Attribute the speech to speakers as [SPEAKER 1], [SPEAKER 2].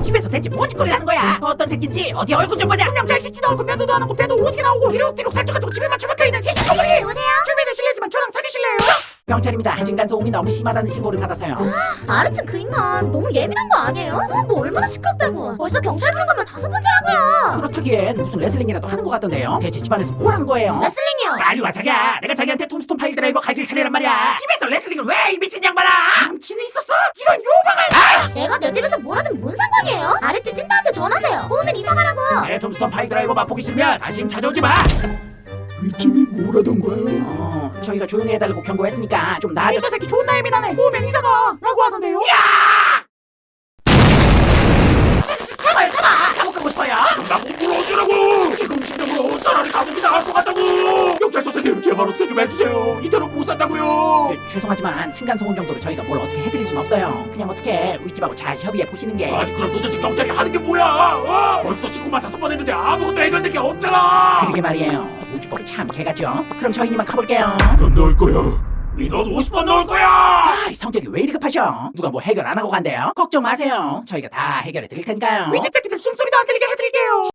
[SPEAKER 1] 집에서 대체 뭔 짓거리를 하는 거야? 어떤 새끼인지 어디 얼굴 좀 보자. 분명 잘 씻지도 않고 면도도 안 하고 배도 오지게 나오고 뒤룩뒤룩 살쪄가지고 집에만 처박혀있는 새끼덩어리.
[SPEAKER 2] 누구세요?
[SPEAKER 1] 주민은 실례지만 저랑 사귀실래요? 경찰입니다. 층간소음이 너무 심하다는 신고를 받아서요.
[SPEAKER 2] 아르츠 그 인간 너무 예민한 거 아니에요? 뭐 얼마나 시끄럽다고. 벌써 경찰 부른 거면 5번째라고요.
[SPEAKER 1] 그렇다기엔 무슨 레슬링이라도 하는 것 같던데요. 대체 집안에서 뭘 하는 거예요?
[SPEAKER 2] 레슬링이요.
[SPEAKER 1] 빨리 와 자기야. 내가 자기한테 톰스톤 파일 드라이버 갈길 차례란 말이야. 집에서 레슬링을 왜 이 미친 양반아? 남친이 있었어? 이런 요방을.
[SPEAKER 2] 내가 내 집에서 뭘 하든 뭔 상관이에요? 아르츠 찐따한테 전화하세요. 도우면 이사가라고.
[SPEAKER 1] 내 톰스톤 파일 드라이버 맛보기 싫으면 다신 찾아오지 마.
[SPEAKER 3] 윗집이 뭐라던가요?
[SPEAKER 1] 저희가 조용히 해달라고 경고했으니까 좀 나아져. 저 새끼 존나 예민하네. 오면 이사가 라고 하던데요. 야! 참아요 참아. 감옥 가고 싶어요.
[SPEAKER 3] 나보고 뭘 어쩌라고! 지금 심정으로 차라리 감옥이 나갈 것 같다고! 경찰 선생님 제발 어떻게 좀 해주세요. 이대로 못 산다고요.
[SPEAKER 1] 죄송하지만 층간소음 정도로 저희가 뭘 어떻게 해드릴 순 없어요. 그냥 어떻게 윗집하고 잘 협의해 보시는 게.
[SPEAKER 3] 아니 그럼 도대체 경찰이 하는 게 뭐야? 벌써 신고만 5번 했는데 아무것도 해결된 게 없잖아.
[SPEAKER 1] 그러게 말이에요. 우주법이 참 개같죠. 그럼 저희니만 가볼게요.
[SPEAKER 3] 넌 넣을 거야. 민원 50번 넣을 거야.
[SPEAKER 1] 아, 이 성격이 왜 이리 급하셔? 누가 뭐 해결 안 하고 간대요? 걱정 마세요. 저희가 다 해결해 드릴 테니까요. 윗집 새끼들 숨소리도 안 들리게 해드릴게요.